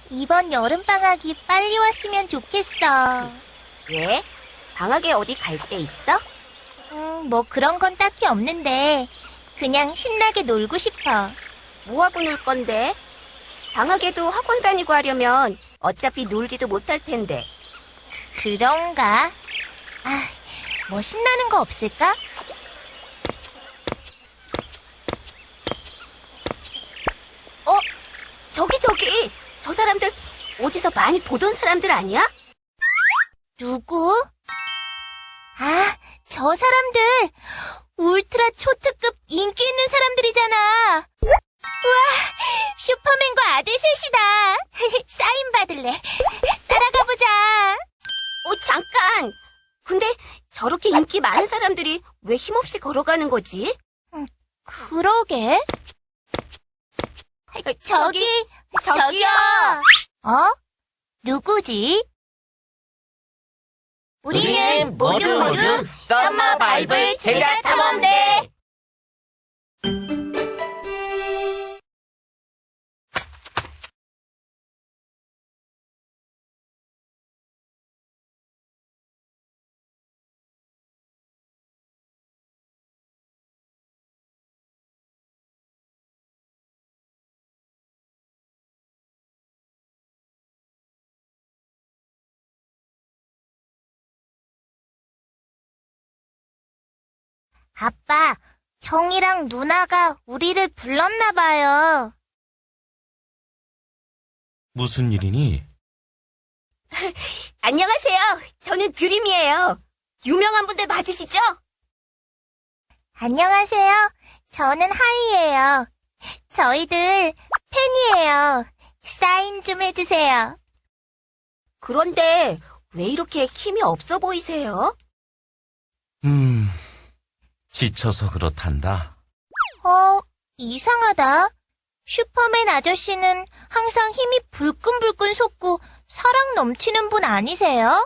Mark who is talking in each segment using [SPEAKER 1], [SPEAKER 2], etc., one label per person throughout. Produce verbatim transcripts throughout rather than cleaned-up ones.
[SPEAKER 1] 이번 여름방학이 빨리 왔으면 좋겠어.
[SPEAKER 2] 왜? 방학에 어디 갈 데 있어?
[SPEAKER 1] 음, 뭐 그런 건 딱히 없는데 그냥 신나게 놀고 싶어.
[SPEAKER 2] 뭐하고 놀 건데? 방학에도 학원 다니고 하려면 어차피 놀지도 못할 텐데.
[SPEAKER 1] 그런가? 아, 뭐 신나는 거 없을까?
[SPEAKER 2] 어? 저기 저기! 저 사람들 어디서 많이 보던 사람들 아니야?
[SPEAKER 1] 누구? 아, 저 사람들 울트라 초특급 인기 있는 사람들이잖아. 우와, 슈퍼맨과 아들 셋이다. 사인 받을래. 따라가 보자.
[SPEAKER 2] 어, 잠깐! 근데 저렇게 인기 많은 사람들이 왜 힘없이 걸어가는 거지?
[SPEAKER 1] 그러게. 저기,
[SPEAKER 2] 저기요!
[SPEAKER 1] 어? 누구지?
[SPEAKER 2] 우리는 모두 모두 썸머 바이블 제자 탐험대!
[SPEAKER 1] 아빠, 형이랑 누나가 우리를 불렀나 봐요.
[SPEAKER 3] 무슨 일이니?
[SPEAKER 2] 안녕하세요. 저는 드림이에요. 유명한 분들 맞으시죠?
[SPEAKER 1] 안녕하세요. 저는 하이예요. 저희들 팬이에요. 사인 좀 해주세요.
[SPEAKER 2] 그런데 왜 이렇게 힘이 없어 보이세요?
[SPEAKER 3] 음, 지쳐서 그렇단다.
[SPEAKER 1] 어, 이상하다. 슈퍼맨 아저씨는 항상 힘이 불끈불끈 솟고 사랑 넘치는 분 아니세요?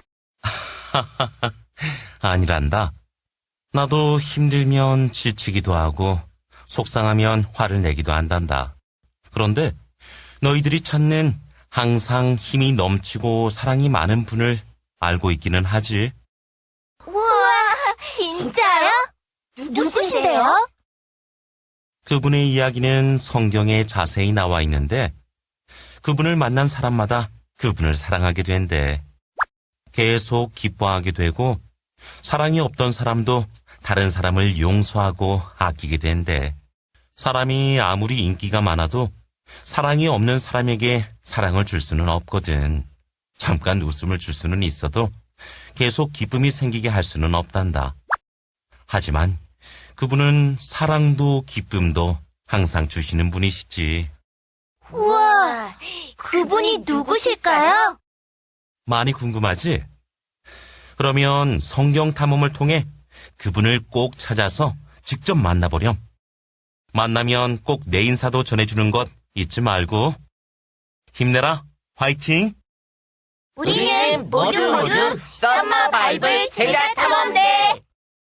[SPEAKER 3] 아니란다. 나도 힘들면 지치기도 하고 속상하면 화를 내기도 한단다. 그런데 너희들이 찾는 항상 힘이 넘치고 사랑이 많은 분을 알고 있기는 하지.
[SPEAKER 1] 우와, 진짜요? 누구신데요?
[SPEAKER 3] 그분의 이야기는 성경에 자세히 나와 있는데 그분을 만난 사람마다 그분을 사랑하게 된대. 계속 기뻐하게 되고 사랑이 없던 사람도 다른 사람을 용서하고 아끼게 된대. 사람이 아무리 인기가 많아도 사랑이 없는 사람에게 사랑을 줄 수는 없거든. 잠깐 웃음을 줄 수는 있어도 계속 기쁨이 생기게 할 수는 없단다. 하지만 그분은 사랑도 기쁨도 항상 주시는 분이시지.
[SPEAKER 1] 우와, 그분이 누구실까요?
[SPEAKER 3] 많이 궁금하지? 그러면 성경 탐험을 통해 그분을 꼭 찾아서 직접 만나보렴. 만나면 꼭 내 인사도 전해주는 것 잊지 말고. 힘내라, 화이팅!
[SPEAKER 2] 우리는 모두 모두 썸머 바이블 제자 탐험대!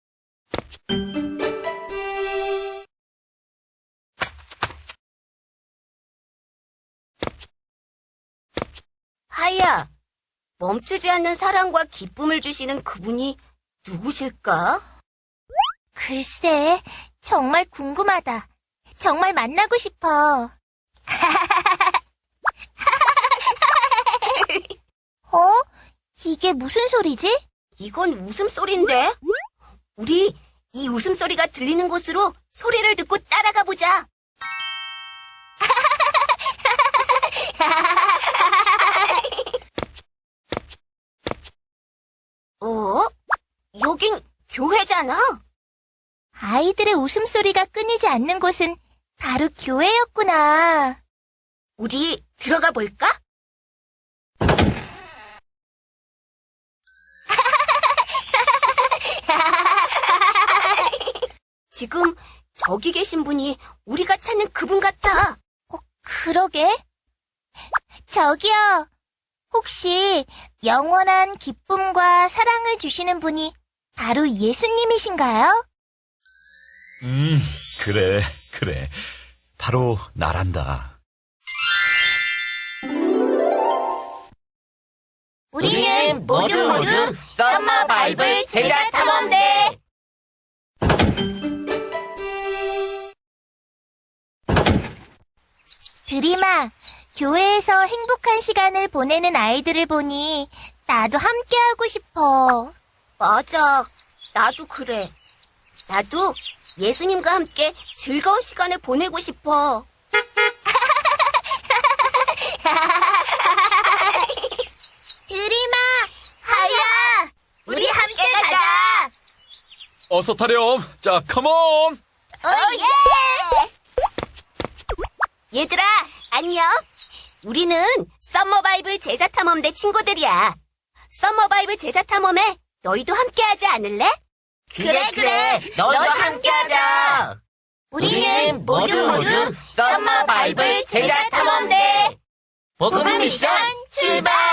[SPEAKER 2] 하이야, 멈추지 않는 사랑과 기쁨을 주시는 그분이 누구실까?
[SPEAKER 1] 글쎄, 정말 궁금하다. 정말 만나고 싶어. 어? 이게 무슨 소리지?
[SPEAKER 2] 이건 웃음소리인데? 우리 이 웃음소리가 들리는 곳으로 소리를 듣고 따라가 보자. 어? 여긴 교회잖아.
[SPEAKER 1] 아이들의 웃음소리가 끊이지 않는 곳은 바로 교회였구나.
[SPEAKER 2] 우리 들어가 볼까? 지금 저기 계신 분이 우리가 찾는 그분 같아.
[SPEAKER 1] 어, 그러게. 저기요. 혹시 영원한 기쁨과 사랑을 주시는 분이 바로 예수님이신가요?
[SPEAKER 4] 음, 그래, 그래. 바로 나란다.
[SPEAKER 1] 우리는 모두 모두 썸머 바이블 제자 탐험대. 드림아, 교회에서 행복한 시간을 보내는 아이들을 보니 나도 함께하고 싶어.
[SPEAKER 2] 맞아. 나도 그래. 나도 예수님과 함께 즐거운 시간을 보내고 싶어.
[SPEAKER 1] 드림아, 하야, 우리 함께 가자.
[SPEAKER 4] 어서 타렴. 자, 컴온.
[SPEAKER 1] 오예!
[SPEAKER 2] 얘들아, 안녕. 우리는 썸머바이블 제자탐험대 친구들이야. 썸머바이블 제자탐험에 너희도 함께하지 않을래?
[SPEAKER 1] 그래, 그래. 너도 함께하자. 우리는 모두 모두 썸머 바이블 제자 탐험대. 복음 미션 출발!